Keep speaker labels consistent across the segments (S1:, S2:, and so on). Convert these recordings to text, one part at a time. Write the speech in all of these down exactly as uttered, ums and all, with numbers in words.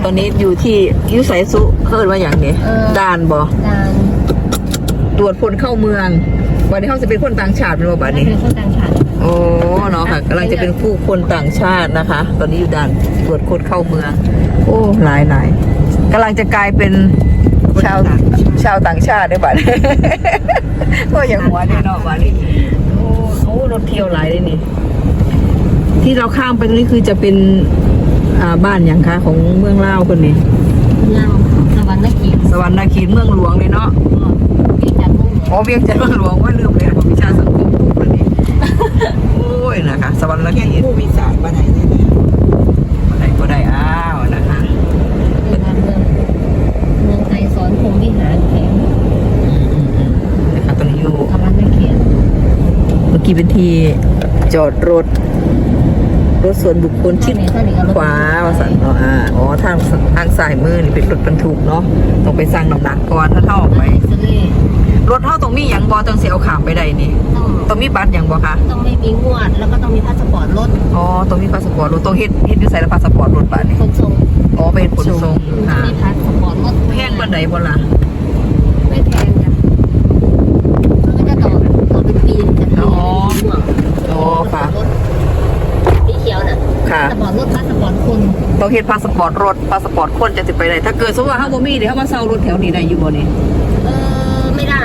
S1: ตอนนี้อยู่ที่ยุไสสุเคิดว่าอย่างนี้ด่านบ่
S2: ด่าน
S1: ตรวจคนเข้าเมืองวันนี้เขาจะเป็นคนต่างชาติเป็นว่าบัดนี้
S2: เป็นคนต่างชาติ
S1: โอ้เนาะค่ะกำลังจะเป็นผู้คนต่างชาตินะคะ ตอนนี้อยู่ด่านตรวจคนเข้าเมืองโอ้หลายหลายกำลังจะกลายเป็นชาวชาวต่างชาติได้บัดก็อย่างหัวเนี่ยเนาะบัดนี้โอ้โอ้รถเที่ยวหลายเลยนี่ที่เราข้ามไปตรงนี้คือจะเป็นอ่าบ้านอย่างคะของเมืองลาวคนนี้
S2: ลาวสวรรค์นคร
S1: สวรรค์นครเมืองหลวงเลยเนาะ
S2: เวียงจันทร์
S1: อ๋อเวียงจันทร์เมืองหลวงว่าลืมเลยบอกวิชาสังคมคนนี้โอ้ยนะคะสวรรค์นคร
S3: ผู้มีสารมาไหนเนี่ย
S1: มาไหนก็ได้อ้าวนะคะ
S2: เมืองเมืองเมืองไทยสอนพรหมวิหารแข็ง
S1: นะคะตอนนี้อยู่
S2: สวรรค์นคร
S1: เมื่อกี้เป็นที่จอดรถรถส่วนบุคคลชิดขวาว่าสันอ๋ออ่าอ๋อทางทางสายมือนี่เป็นรถบรรทุกเนาะต้องไปสร้างน้ำหนักก่อนถ้าเท่าออกไปรถเท่าตรงมีอย่างบอจังเสียเอาขามไปได้นี่ต้องมีบัตรอย่างบอคะ
S2: ต้องไม่มีงวดแล้วก็ต้องมีพาสปอร์ตรถ
S1: อ๋อต้องมีพาสปอร์ตรถต้องเฮ็ดเฮ็ดอยู่ใส่แล้วพาสปอร์ตรถบัตรนี่
S2: ขนส่ง
S1: อ๋อเป็นขนส่ง
S2: ค่ะมีพาสปอร์ตรถ
S1: แพงบันไดบ่ล่ะ
S2: ไม่แพงจ้ะมันก็จะต่อต่อเป็นปีกันอ๋อ
S1: อ๋อค่ะ
S2: สีเขียวน่ะพาสปอร์ตรถพาสปอร์ตคน
S1: ต้องเฮ็ดพาสปอร์ตรถพาสปอร์ตคนจะสิไปได้ถ้าเกิดสมมติว่าเฮาบ่มีเดี๋ยวเฮามาเซารถแถวนี้ได้อยู่บ่นี่
S2: เออไม่ได้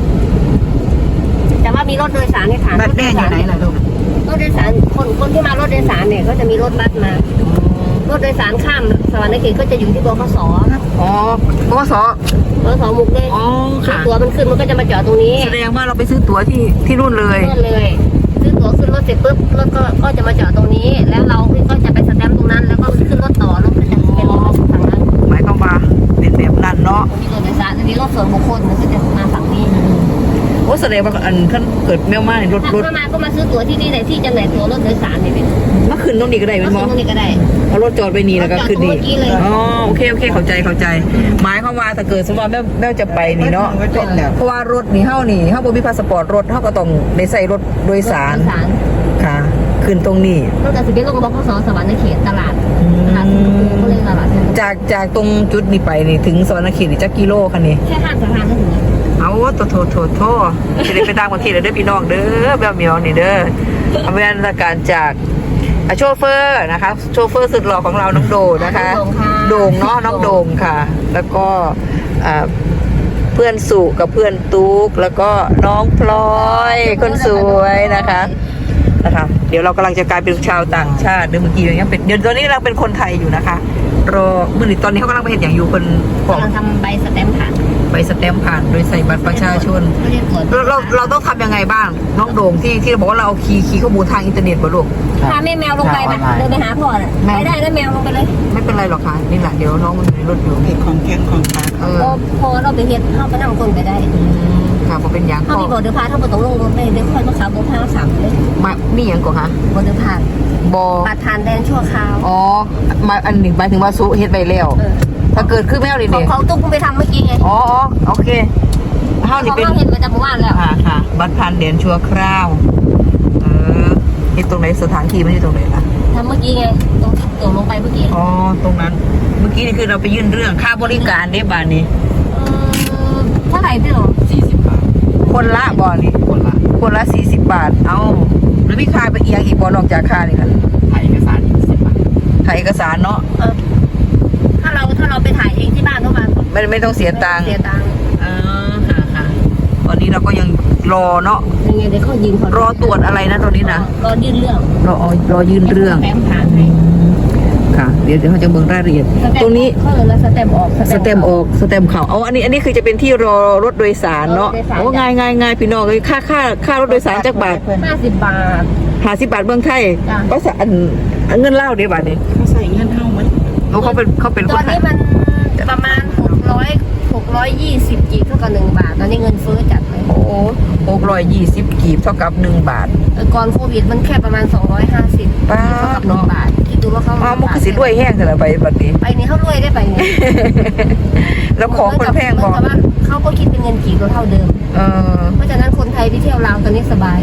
S2: แต่ว่ามีรถโดยสารในฐาน
S1: บัตรแน่อยู่ไหนล่ะลูก
S2: รถโดยสารคนคนที่มารถโดยสารเนี่ยก็จะมีรถบัสมารถโดยสารข้ามสวรรค์นครก็จะอยู่ที่บขส
S1: อ๋อบขส
S2: บขสมุกเลย
S1: อ๋อค่ะ
S2: ตั๋วมันขึ้นมันก็จะมาจอดตรงนี้
S1: แสดงว่าเราไปซื้อตั๋วที่ที่นู่นเลย
S2: นู่นเลยซื้อตั๋วขึ้นรถเสร็จปุ๊บรถก็ก็จะมาจอดตรงนี้แล้วเราก็จะไปสแตมป์ตรงนั้นแล้วก็ขึ้นรถต่อรถก็จะเป็นรถฝั่งนั้น
S1: หมายความว่าเป็นแบบนั้นเนาะ
S2: มีรถโดยสารอันนี้รถส่วนบุคคลมันก็จะมาฝั่งนี้
S1: โอ้แสดงว่าอันขั้นเกิดแมวมาในรถรถ
S2: มาก็มาซื้อตั๋วที่นี่เลยที่จำหน่ายตั๋วรถโดยสารนี่เป็น
S1: มาขึ้นตรงนี้ก็ได้เป็น
S2: มั้งตรงนี้ก็ได้
S1: เอารถจอดไปนี่แล้วก็ขึ้นนี่อ๋อโอเคโอเคเข้าใจเข้าใจหมายความว่าถ้าเกิดสมมติว่าแม่แม่จะไปนี่เนาะเพราะว่ารถนี่เฮานี่เฮาบ่มีพาสปอร์ตรถเฮาก็ต้องได้ใส่รถโดยสารค่ะขึ้นตรงนี้
S2: รถจะสิเป็นลงบขสสวรรค์นครตลาดตลาดก็เลยตลาด
S1: จากจากตรงจุดนี้ไปนี่ถึงสวรรค์นครนี่จักกิโลคันนี้
S2: แค่ห้าสะพานก็ถึง
S1: เอาโถโถโถโถจะได้ไปต่างประเทศเด้อพี่น้องเด้อแบบเมียวนี่เด้ออำนวยการจากโชเฟอร์นะคะโชเฟอร์สุดหล่อของเราน้องโดนะคะโด่งเนาะน้องโด่งค่ะแล้วก็เพื่อนสุกับเพื่อนตุ๊กแล้วก็น้องพลอยคนสวยนะคะนะคะเดี๋ยวเรากำลังจะกลายเป็นชาวต่างชาติเดี๋ยวเมื่อกี้ยังเป็นเดี๋ยวตอนนี้เราเป็นคนไทยอยู่นะคะรอเมื่อตอนนี้เขากำลังไปเห็นอย่างอยู่คน
S2: กำลังทำใบสแตมป์ผ่าน
S1: ใบสแตมป์ผ่านโดยใส่บัตรประชาชนเราเราเราต้องทำยังไงบ้างน้องโด่งที่ที่เราบอกว่าเราเอาคีย์คีย์ข้อมูลทางอินเทอร์เน็ตบ่ลูก
S2: พาแม่แมวลงไปแบบเดินไปหาพ่อน่ะไปได้แล้วแมวลงไปเลย
S1: ไม่เป็นไรหรอกค่ะนี่แหละเดี๋ยวน้องมันอยู่ในรถอยู่
S3: เห็ดของแข็งของขา
S2: เออพอเราไปเห็ดเข้าไปนั่งคนไปได้
S1: ค่ะพอเป็นอย่าง
S2: เขามีบอร์เดอร์พาเขาบอกต้องลงรถเลยเดี๋ยวค่อยมาขับบนทางสามเลย
S1: มามีอย่างก่อนคะ
S2: บอร์เดอร์พา
S1: บอ
S2: บัตรผ่านแดนชั่วคราว
S1: อ๋อมาอันหนึ่งหมายถึงว่าซุเฮ็ดไปแล้วถ้าเกิดขึ้นแมวดิ
S2: เด็กเขาตุ้งไปทำเมื่อกี้ไง
S1: อ๋อโอเคเฮานี่เป็น
S2: เห็นไปจากเมื่อวานแล้ว
S1: ค่ะค่ะบัตรผ่านแดนชั่วคราวเออเฮ็ดตรงไหนสถานที่มันอยู่ตรงไหนล่ะ
S2: ทำเมื่อกี้ไงตรงตรงลงไปเมื่อกี้
S1: อ๋อตรงนั้นเมื่อกี้นี่คือเราไปยื่นเรื่องค่าบริการเด้บานนี้
S2: เออเท่าไหร่พี่หรอ
S3: สี่สิบบาท
S1: คนละบ่อนี่
S3: คนละ
S1: คนละสี่สิบบาทเอ้าแล้วมีค่าไปเอียงอีกบ่อนอกจากค่านี่ค่ะ
S3: ถ่ายเอกสารอีกสิบบาท
S1: ถ่ายเอกสารเนาะ
S2: เออถ้าเราถ้าเราไปถ่ายเองที่บ้านเท่าไหร่
S1: ไม่ไม่ต้องเสียตังค์
S2: เสียตังค์
S1: อ่าค่ะค่ะตอนนี้เราก็ยังรอเนาะ
S2: ยังไงเดี๋ยวเขายิง
S1: รอตรวจอะไรนะตอนนี้นะ
S2: รอยื่นเรื่อง
S1: รอรอยื่นเรื่อง
S2: แฟ้มผ่านให้
S1: ค่ะเดี๋ยวเดี๋ยวเขาจะเบิ่งรายละเอียดตรงนี้
S2: เขาเลยแล้วสเต็มออก
S1: สเต็มออกสเต็มเข่าเอาอันนี้อันนี้คือจะเป็นที่รอรถโดยสารเนาะโอ้ง่ายง่ายง่ายพี่น้องเลยค่าค่าค่ารถโดยสารจักบาท
S2: ห้าสิบบาท
S1: ห้าสิบบาทเมืองไทยก็สอันเงินเล่าเดี๋ยวบาทนี้
S3: เขาใส่เงินเท่ามั้ย
S1: เขาเขาเป็นเขาเป็น
S2: ตอนนี้มันประมาณหกร้อยหกร้อยยี่สิบกีบเท่ากับหนึ่งบาทตอนนี้เงินเฟ้อจัดเลย
S1: โอ้หกร้อยยี่สิบกีบเท่ากับหนึ่งบาท
S2: ก่อนโควิดมันแค่ประมาณสองร้อยห้าสิบเท่ากับหนึ่งบาทคิดดูว่าเขา
S1: อ๋อมันคือสิรวยแห้งแต่ละใบแบบนี้
S2: ไปนี้เขารวยได้ไปนี้
S1: แล้วของคนแพงพอ
S2: เขาก็คิดเป็นเงินกีบก็เท่าเดิม
S1: เออ
S2: เพราะฉะนั้นคนไทยที่เที่ยวลาวตอนนี้สบาย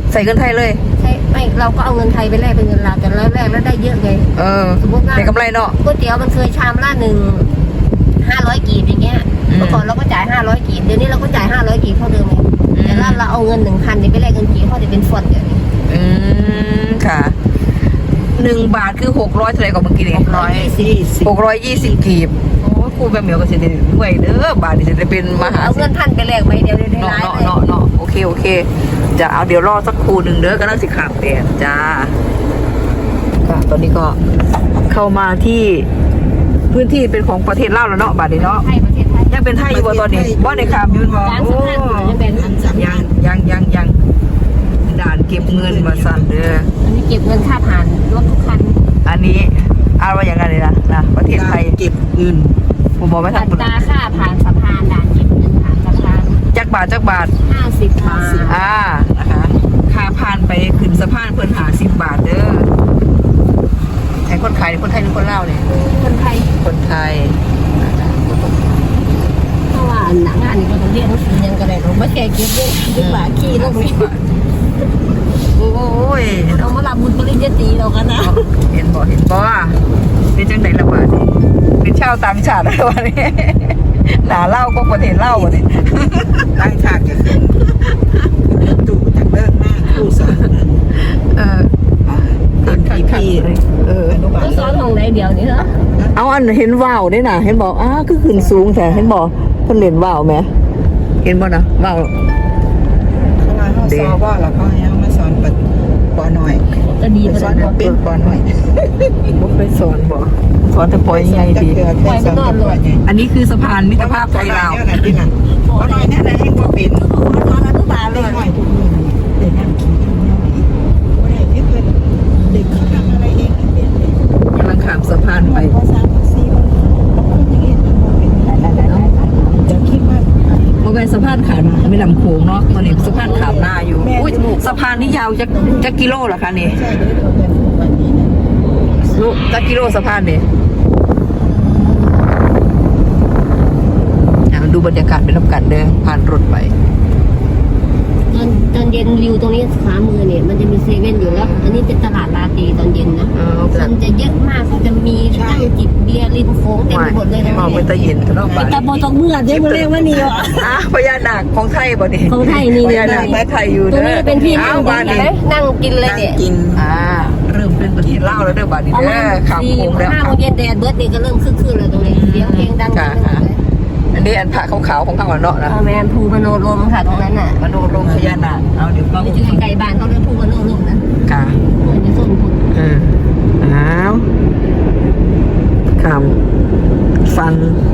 S1: ใส่เงินไทยเลย
S2: ใช่ไม่เราก็เอาเงินไทยไปแลกเป็นเงินลาวแต่เราแลกแล้วได้เยอะไง
S1: เออ
S2: สมมติว่า
S1: ได้กำไรเนาะ
S2: ก๋วยเตี๋ยวมันเคยชามละหนึ่งห้าร้อยกีบอย่างเงี้ย
S1: อืม
S2: เมื่อก่อนเราก็จ่ายห้าร้อยกีบเดี๋ยวนี้เราก็จ่ายห้าร้อยกีบเท่าเดิมไง
S1: อืม
S2: แต่ถ้าเราเอาเงินหนึ่งพันไปแลกเงินกีบเขาจะเป็นฟอนต์เดี๋ยวนี้
S1: อืมค่ะหนึ่งบาทคือหกร้อยเท่าไหร่กับเมื่อกี้นี่
S3: ร้อยยี่สิบ
S1: หกร้อยยี่สิบกีบโอ้ครูแบบเหมียวก็สิได้ด้วยเด้อบาทนี่จะได้เป็นมหา
S2: เอา
S1: เศร
S2: เงิ
S1: ษ
S2: น
S1: ฐี
S2: พันไปแลกใบเดียวได้
S1: เนาะ
S2: ร้าย
S1: เนาะ
S2: เลย
S1: เนาะเนาะโอเคโอเคจะเอาเดี๋ยวรอสักครู่หนึ่งเด้อก็นั่งสิขามแดดจ้าค่ะตอนนี้ก็เข้ามาที่พื้นที่เป็นของประเทศลาวแล้วเนาะบาทนี้เนาะ
S2: ไทยประเทศไทย
S1: ยังเป็นไทยอยู่บ่ตอนนี้บ่ในขามอยืนบ่
S2: ร้าน
S1: โอ้
S2: สำคัญยังเป็น
S1: ยังยังยังยังด่านเก็บเงินมาสั่นเด้อ
S2: อันนี้เก็บเงินค่าผ่านรถทุกคัน
S1: อันนี้เอาว่าอย่างไรเลยนะนะประเทศไทย
S3: เก็บเงิน
S1: ผมบอกไม่
S2: อั
S1: ทำ
S2: ตราค่าผ่านสะพานด่านเก็บเงินผ่านสะพาน
S1: จักบาทจักบาท
S2: ห้าสิบบาท
S1: อ่านะคะค่าผ่านไปขึ้นสะพานเพิ่นหาสิบบาทเด้อไอ้คนขายนี่คนไทยหรือคนลาวเนี่ย
S2: คนไทย
S1: คนไทย
S2: เพราะว่าหนังงานนี่ก็ต้องเรียนหนังสือยังก็ได้เราไม่แก่เก็บเยอะดีกว่าขี้ลงนี่
S1: โอ้ย
S2: เรามารับบุญปริญญาตรีเรากันนะ
S1: เห็นบ่เห็นบ่เป็นจังไดละบาดนี่เป็นชาวต่างชาติแล้ววันนี้หนาเล่าก็ประเทศเล่าวันนี้
S3: ตั้งฉากจะขึ้นตู่จากเลิกหน้าผู้สอน
S1: เออ
S3: เป็นพี่พี่
S1: เออ
S3: อนุบาล
S2: ก็ซ้อนของไหนเดียวนี่เหรอ
S1: เอาอันเห็นว่าวได้น่ะ เห็นบอกอ้าคือขึ้นสูงแต่เห็นบอกเพิ่นเล่นว่าวไหมเห็นบ่นะว่าว
S3: เขาว่าเขาสอนว่าแล้วก็ให้เขามาสอนปปหน่อย
S2: ก็ดี
S3: ไป
S2: ไป
S3: ส
S2: แล้
S3: อน
S2: ว
S3: เป็นปหน่อย
S1: บ่ไปสอนบ่สอนแต่ปล่อยยังไงดี
S3: ปล่อยไปนอนเลย
S1: อันนี้คือสะพานมิตรภาพไทยลาว
S3: ปหน่อยเนี่ยนะให้ว่าเป็น
S2: ตอนอนุบาลเล
S3: เด็ก
S2: ย
S3: หน่อยทุกคนเด็กนั่งกินข้าวเหนียวอีกโอ้ยที่เพิ่นเด็กเขาทำอะไรเองไม่เป็นเลย
S1: กำลังข้ามสะพานไป
S3: ภาษาภาษีมันคนอย่างนี้มันบอกเป็นจะคิดว่า
S1: บ่แม่นสะพานขามไม่ลำโขงเนาะตอนนี้สะพานขามหน้าอยู่อุ้ยสะพานนี้ยาวจักจักกิโลเหรอคะนี่
S3: ใช่เด้อเพิ่นวันนี้นะ
S1: ลูกจักกิโลสะพานนี่อ่ะดูบรรยากาศเป็นรับกันเด้อผ่านรถไป
S2: ตอนตอนเย็นวิวตรงนี้ขวามือเนี่ยมันจะมีเซเว่นอยู่แล้ว อันนี้เป็นตลาดลาตีตอนเย็นนะ
S1: เออ
S2: คนจะเยอะมากเขาจะมีนั่งจิบเบียร์ริมโค้งเต็มไปหมดเลยนะ
S1: มองไปตะเย็นกันเนาะบ้าน
S2: ตะโบตกเมื่อเดี๋ยวมาเรียกว่านี่อ่ะ
S1: อ่ะพญานาคของไทยบ่นี่
S2: ของไทยนี่
S1: พญานาคไม้ไทยอยู่
S2: ตรง
S1: เด้
S2: นี้
S1: อ
S2: เป็นที่
S1: อ้า
S2: นั่
S1: ว
S2: ง
S1: บ้าน
S2: กิน
S1: นี้
S2: นั่งกินเลย
S3: นั่ง
S2: เนี่ย
S3: กิน
S1: อ่าเริ่มเป็นประเทศลาวแล้วเด้อบ้านนี้
S2: ประ
S1: เด้
S2: มา
S1: อ
S2: ณ
S1: ข้าม
S2: สี่
S1: โค้งแล้ว
S2: ห้าโมงเย็นแดดเบิร์ดนี่ก็เริ่มคึกคืนแล้วตรงนี้เสียงเพลงดัง
S1: ค่ะค่ะอันนี้อันพระขาวๆของข้างวันเนาะนะ
S2: พ่อแม่ภูมโนรมค่ะตรงนั้นน่ะ
S1: มโนรมพญานาคเอาเดี๋ยวฟัง
S2: ไม่ใช่ไก่บ้านเขาเรียกภูมโนรมนะ
S1: ค่ะ
S2: เหมือนจะส้นคุณ
S1: เอออ้าวข้ามฟัง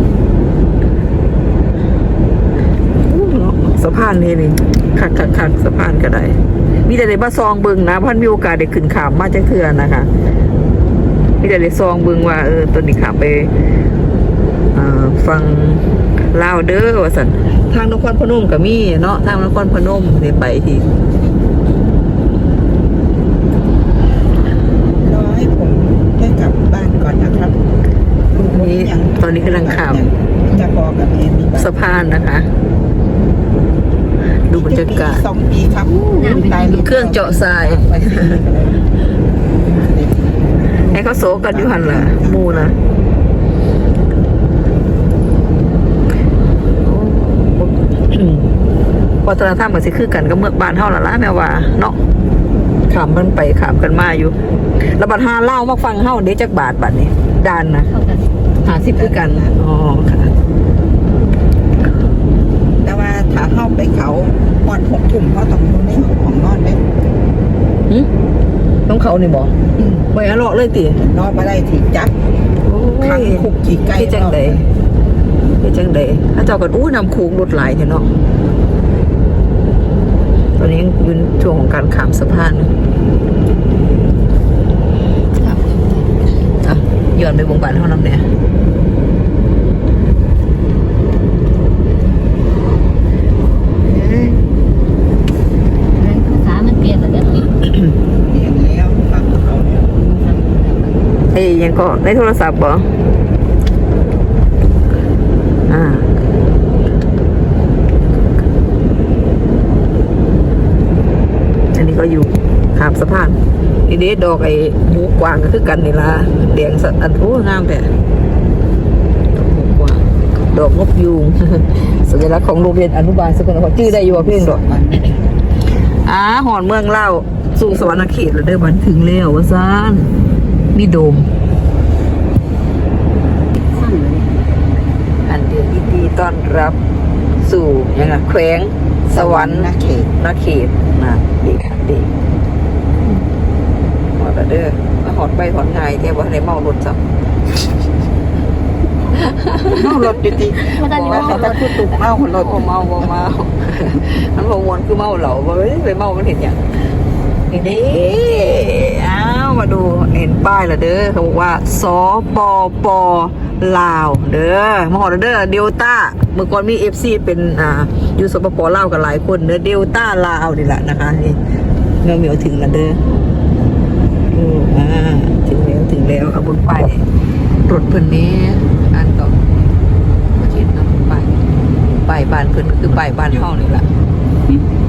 S1: อู้เนาะสะพานนี่นี่คักคักคักสะพานก็ได้ มีแต่ได้มาซองเบิ่งนะพันมีโอกาสได้ขึ้นขามมาจังเทื่อนะคะมีแต่ได้ซองเบิ่งว่าเออตอนนี้ขามไปเอ่อฟังลาวเด้อว่าซั่นทางนครพนมก็มีเนาะทางนครพนมได้ไปที่
S3: รอให้ผมได้กลับบ้านก่อนนะครับ
S1: นี้ตอนนี้กำลังขาม
S3: จะพอกับแม่มีบ้าน
S1: สะพานนะคะ ดูบรรยากาศ
S3: สองปีครับตาย
S1: เครื่องเจาะทรายให้เขาโซกันอยู่หันล่ะหมูนะวัฒนธรรมมันสิคือกันกับเมืองบ้านเฮาล่ะล่ะแม่ว่าเนาะขามมันไปขามกันมาอยู่ แล้วบัดหาเล่ามาฟังเฮาเด้จักบาทบัดนี้ด้านนะ
S2: เข้ากัน
S1: หาสิบคือกันอ๋อค่ะ
S3: แต่ว่าถ้าเข้าไปเขาปอนหกถุ่มเขาต้องอยู่ในของนอนได้
S1: หึต้องเขานี่บ่ไว้อะเลาะเลยติ
S3: นอนมาได้ที่จับขังคุกขี่ไก่
S1: ที่จังใดที่จังใดถ้าเจ้ากันอู้นำคูงรถหลายเถอะเนาะตอนนี้ยังอยู่ในช่วงของการข้ามสะพานอ่ะย้อนไปวงบ้านเท่านั้นเนี่ย
S2: ภาษามันเปลี่ยนแล้วเนี่ย
S3: เรียนแล้วฟังเขาเนี่ย
S1: เอ้ยยังก็ในโทรศัพท์บ่อ่าอันนี้ก็ามสะพานนี่เด็ดดอกไอ้หมูกวางก็คือกันนี่ละแดงสะอันโอ้งามแต่ดอกหมูกวางดอกนกยูง สัญลักษณ์ของโรงเรียนอนุบาลสกลนครชื่อได้อยู่ว่าเพ่งดอกอ่าหอนเมืองเล่าสู่สวรรค์เขตแล้วเด้อบันถึงแล้วว่าซ่านมีโดมอันเดียวดีต้อนรับสู่ยังไงแขวงสวรรค์
S3: นะเขต
S1: นาเขตนะดีค่ะดีหอดแล้วเด้อมาหอดไปหอดไงแกบอกให้เมารถจับ
S3: เมารถอยู่ดี
S2: ไม่ได้
S3: ว่า
S2: เมา
S3: แต่ถ้าพูดถูกเมาคนรถ
S1: โอ้เมาบ่เมามันบ่มวนคือเมาเหล่าบ่ไปเมามันเห็นอย่างนี่เด้อ้าวมาดูเห็นป้ายแล้วเด้อเขาบอกว่าสปปลาวเด้อมาหอดแล้วเด้อเดลต้าเมื่อก่อนมีเอฟซีเป็นอ่าอยู่สปปลาวกันหลายคนเด้อเดลต้าลาวนี่แหละนะคะนี่เมื่อเหมียวถึงแล้วเด้อโอ้อ่าถึงแล้วถึงแล้วเอาบนป้ายรถเพิ่นนี้อันต่อมาเห็นนะป้ายป้ายบ้านเพิ่นคือป้ายบ้านเฮานี่แหละ